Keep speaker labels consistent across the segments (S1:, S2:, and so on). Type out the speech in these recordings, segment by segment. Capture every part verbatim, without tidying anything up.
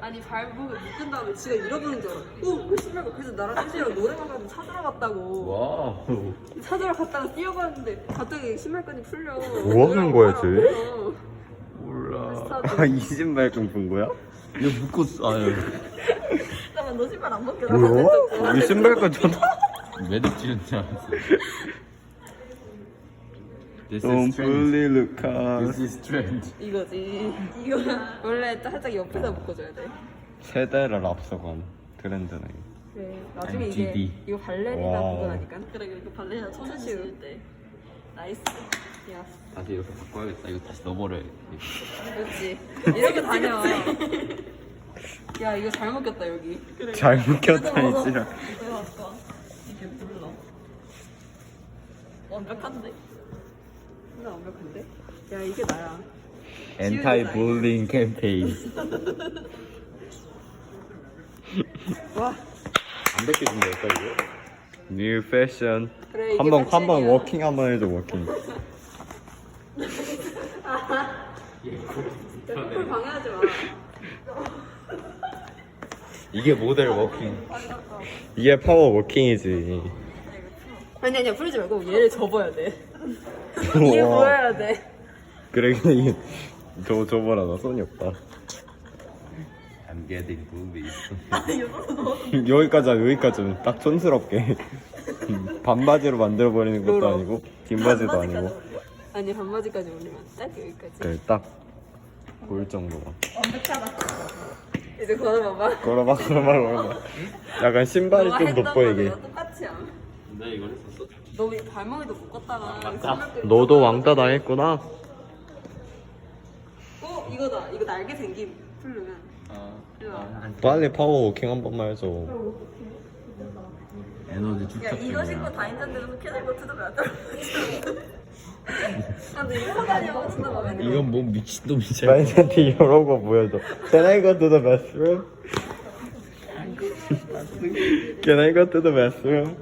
S1: 아니 발목을 묶은 다음에 지가 잃어버린 줄 알아. 어? 그 신발가 그래서 나랑 혜진이랑 노래방 가서 찾으러 갔다고.
S2: 와우.
S1: 찾으러 갔다가 뛰어가는데 갑자기 신발끈이 풀려.
S3: 뭐 하는 거야, 쟤?
S2: 몰라.
S3: 아, 이 신발끈 본 거야?
S2: 이거 묶었어. 아유.
S1: 잠깐만 너 신발 안 벗겨.
S3: 뭐야? 이 신발끈 전
S2: 매듭 지은 줄 알았어. This is
S3: Don't
S2: strange.
S3: bully Lucas.
S2: This is strange.
S1: 이거지. 이거 원래 살짝 옆에다 묶어줘야 돼.
S3: 세대를 앞서간 트렌드네.
S1: 그래. 나중에 이게
S2: 엠지디.
S1: 이거 발레리나
S3: 와우.
S1: 그거라니까. 그래 이거 발레리나 초sen 씌울 때. 나이스. 야.
S2: 다시 이렇게 바꿔야겠다. 이거 다시 넣어버려야 돼.
S1: 그렇지. 이렇게 다녀. 야 이거 잘 먹겠다 여기. 그래.
S3: 잘 묶였다, 이지라.
S1: 이거 아까 이게 불러. 완벽한데? 진짜 완벽한데? 야 이게 나야.
S3: 엔타이 bullying 캠페인.
S1: 와.
S3: 안 벗겨진다니까, 이거? New fashion.
S1: 그래, 이게
S3: 한번 한번
S1: 패션이야.
S3: 워킹 한번 해줘, 워킹.
S1: 쿨 방해하지 마.
S3: 이게 모델 워킹. 이게 파워 워킹이지.
S1: 아니 아니야 풀지 말고 얘를 접어야 돼. 이게
S3: 우와.
S1: 보여야 돼.
S3: 그래, 근데 이게 저 저거라 나 손이 없다.
S2: I'm getting bullied.
S3: 여기까지 여기까지는 딱 촌스럽게 반바지로 만들어 버리는 것도
S1: 롤러.
S3: 아니고 긴 바지도 아니고
S1: 아니 반바지까지 올리면 딱 여기까지.
S3: 그래 딱 보일 정도가.
S1: 이제 걸어봐봐.
S3: 걸어봐 걸어봐 걸어봐. 약간 신발이
S1: 너가
S3: 좀
S1: 했던
S3: 돋보이게.
S1: 거랑 똑같이 함.
S2: 나 이걸 했었어?
S1: 너 발목에도 묶었다가 신발끈
S3: 너도 왕따 당했구나.
S1: 어 이거다. 이거 날개 생김 풀르면.
S2: 아.
S1: 이거.
S3: 빨리 파워 워킹 한 번만 해줘.
S2: 에너지
S1: 야
S2: 축적.
S1: 이거 신고 다니던 데서 캐나고 뜯으면 안 떨어져. 아 근데 이거 다니면 진짜 마음에 들어.
S2: 이건 뭐 미친놈이지.
S3: 나한테 이런 거 보여줘. Can I go to the bathroom? Can I go to the bathroom?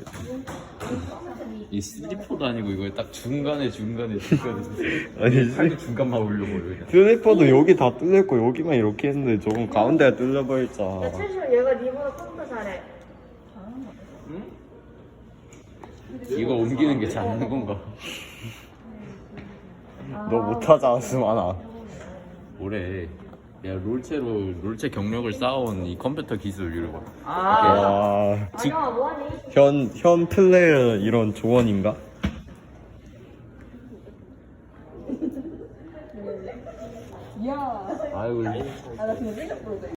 S2: 이 슬리퍼도 아니고 이걸 딱 중간에 중간에 중간에.
S3: 아니
S2: 팔도 중간만 올려버려 그냥.
S3: 슬리퍼도 여기 다 뚫렸고 여기만 이렇게 했는데 저건 가운데가 뚫려버렸잖아.
S4: 최시로 얘가 니보다 컴퓨터 잘해.
S2: 이거 옮기는 게 잘하는 건가?
S3: 너 못하지 않았으면 안 와.
S2: 올해 내가 롤체로 롤체 경력을 쌓아온 이 컴퓨터 기술 이런 거.
S3: 와, 직,
S4: 아영아 뭐하니?
S3: 현, 현 플레이어 이런 조언인가?
S1: 야.
S2: 아이고.
S1: 아나 지금 생각 보는데.